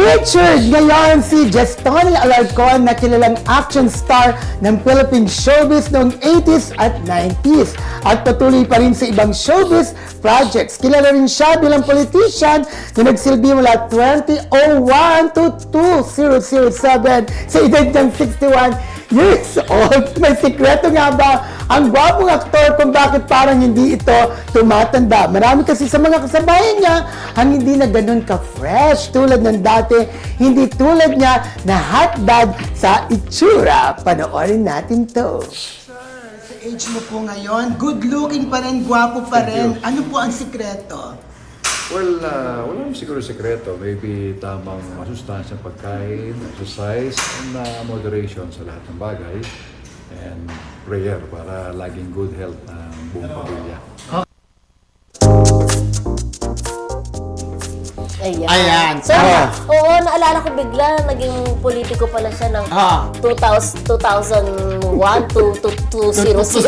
Featured ngayon si Gestoni Alarcon na kilalang action star ng Philippine showbiz noong 80s at 90s. At patuloy pa rin sa ibang showbiz projects. Kilala rin siya bilang politician na nagsilbi mula 2001 to 2007 sa edad niyang 61 years old. May sikreto nga ba ang gwapong aktor kung bakit parang hindi ito tumatanda? Marami kasi sa mga kasabayan niya ang hindi na ganun ka-fresh tulad ng dati, hindi tulad niya na hot dad sa itsura. Panoorin natin to. Sa age mo po ngayon, good looking pa rin, gwapo pa rin. Ano po ang sikreto? Well, wala naman siguro sekreto. Maybe tamang masustansyang pagkain, exercise, and moderation sa lahat ng bagay. And prayer para laging good health ng buong pamilya. Ayan. So, oo, naalala ko bigla, naging politiko pala siya ng 2001 to 2000.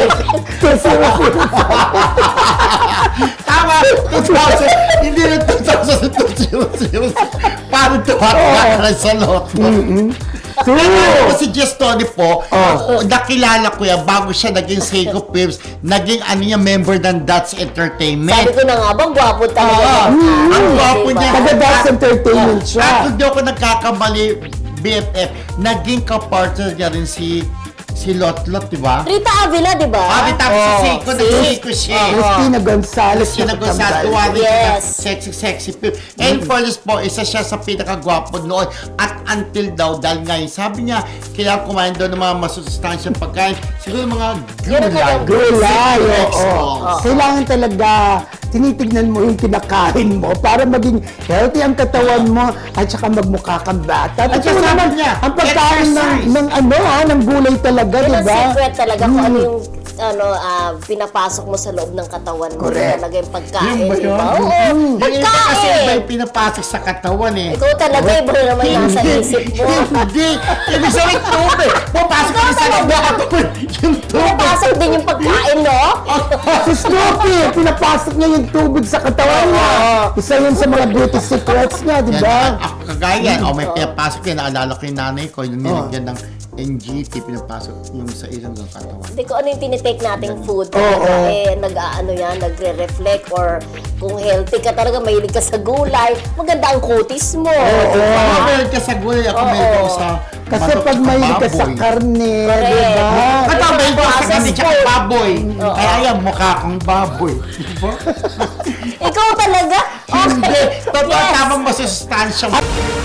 Tama! 2000! Hindi na 2000. Paano tumataka sa lot mo? Ako si Gestoni po, nakilala ko yan bago siya naging Seiko Films, naging member ng Dats Entertainment. Sabi ko na nga bang gwapo talaga. Ang gwapo niya. Taga-Dats Entertainment siya. At hindi ako nagkakamali, BFF, naging kapartner niya rin si Lotlot, di ba? Rita Avila, di ba? Tapos si Seiko, nag-Seiko siya. Christina Gonzalez. Christina Gonzalez, tuwa rin Yes. sexy film. And for this po, isa siya sa pinakagwapo noon. At until daw, dahil ngayon, sabi niya, kailangan kumain daw ng mga masustansyang pagkain. Siguro mga gulay. Gulay, oo. Vegetables. Kailangan talaga tinitignan mo yung kinakain mo para maging healthy ang katawan mo at saka magmukha kang bata. At saka sabi naman, niya, ang pagkain exercise. ng gulay talaga, Yun di ang ba? secret talaga kung ano yung pinapasok mo sa loob ng katawan mo. Correct. Talaga yung pagkain, Yun ba di yun? ba? Oo, Yung iba kasi iba pagkain! yung pinapasok sa katawan eh. Ikaw talaga, iba na naman nasa isip mo. Hindi. Ibig sabihin tubig. Pupasok ka sa loob ng katawan. Yung tubig. Pinapasok din yung pagkain, no? Si Snoopy, pinapasok niya yung tubig sa katawan niya. Isa yun sa mga beauty secrets niya, di Yan, ba? ako kagaya yan. May pinapasok yan. Naalala ko yung nanay ko. Yung nilagyan ng NGT, pinapasok yung sa isang katawan. Hindi ko ano yung tinitake nating food. Nagre-reflect or kung healthy ka talaga, mahilig ka sa gulay, maganda ang kutis mo. Ako meron ka sa gulay. Ako meron ko sa Kasi manok pag at mahilig ka sa baboy. karne, di Correct. ba? Katamay ko sa Processed kanil tsaka food. baboy. Kaya yan, mukha kang baboy. Diba? Ikaw talaga? Hindi. Okay. Totoo, Yes. tamang masustansya.